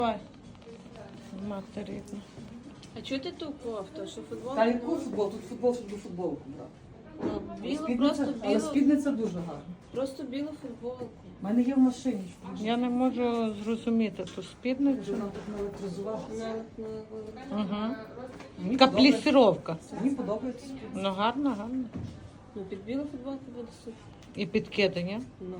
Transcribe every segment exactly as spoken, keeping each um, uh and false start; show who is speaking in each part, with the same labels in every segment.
Speaker 1: Давай. Мати рідна.
Speaker 2: А чого ти ту кофту? Що футбол?
Speaker 3: Та яку футбол? Тут футбол, щоб до футболку брати.
Speaker 2: Ну, білу,
Speaker 3: Спідниця,
Speaker 2: просто
Speaker 3: але
Speaker 2: білу,
Speaker 3: спідниця дуже гарна.
Speaker 2: просто білу футболку.
Speaker 3: У мене є в машині.
Speaker 1: Я не можу зрозуміти ту
Speaker 3: Вже
Speaker 1: спідницю.
Speaker 3: нам тут наелектризував.
Speaker 2: На, на,
Speaker 1: Угу.
Speaker 3: Мені
Speaker 1: Така
Speaker 3: подобається.
Speaker 1: плісіровка.
Speaker 3: Мені подобається спідниця.
Speaker 1: Ну гарно, гарно.
Speaker 2: ну, під білу футболку буде супер.
Speaker 1: І підкидання.
Speaker 2: Ну.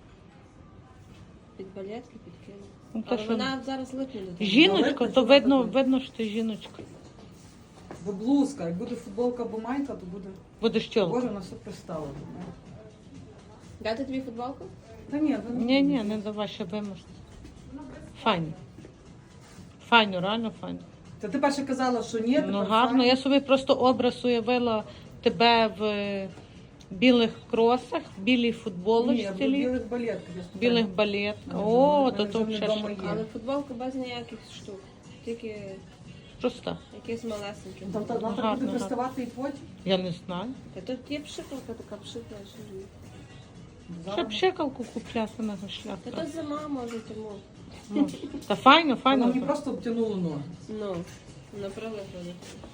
Speaker 2: Під балетки, під килим.
Speaker 1: Ну, та
Speaker 2: Але
Speaker 1: що?
Speaker 2: вона зараз липне до того.
Speaker 1: Жіночка, то видно, видно, що ти жіночка.
Speaker 3: Бо блузка, як буде футболка або майка, то буде.
Speaker 1: Будеш тілка.
Speaker 3: Боже, на все пристало.
Speaker 2: Дати тобі футболку?
Speaker 3: Та ні, ви
Speaker 1: Ні, ні, не давай, ще виможеш. Файно. Файно, реально файно.
Speaker 3: Та ти перше казала, що ні,
Speaker 1: Ну
Speaker 3: тепер
Speaker 1: гарно.
Speaker 3: файно.
Speaker 1: Я собі просто образ уявила тебе в е, білих кросах, в білій
Speaker 3: Ні,
Speaker 1: футболочці,
Speaker 3: в білих балетках. я
Speaker 1: в білих балетках.
Speaker 3: Ага,
Speaker 1: О,
Speaker 3: в
Speaker 1: то
Speaker 3: мене
Speaker 1: то
Speaker 3: вже
Speaker 1: взагалі
Speaker 3: вдома
Speaker 1: шик.
Speaker 3: є.
Speaker 2: Але футболка без ніяких штук. Тільки
Speaker 1: Просто.
Speaker 2: якісь малесенькі.
Speaker 3: Там та вона так
Speaker 1: Гарно,
Speaker 3: буде
Speaker 1: гарно.
Speaker 3: приставати і потім.
Speaker 1: Я не знаю.
Speaker 2: Та тут є пшикалка така пшикла, що ж.
Speaker 1: Щоб щекалку купляти на
Speaker 2: Та
Speaker 1: шляпку.
Speaker 2: то зима може тому.
Speaker 1: Ну, та файно,
Speaker 3: Вона
Speaker 1: файно.
Speaker 3: мені просто обтянула ноги.
Speaker 2: Ну, направо ходить.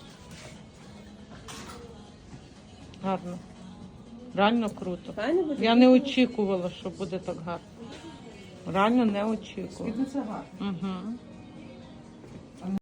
Speaker 1: Гарно. Реально круто.
Speaker 2: Файно буде?
Speaker 1: Я не очікувала, що буде так гарно. Реально не очікувала.
Speaker 3: Спідниця гарна.
Speaker 1: Угу.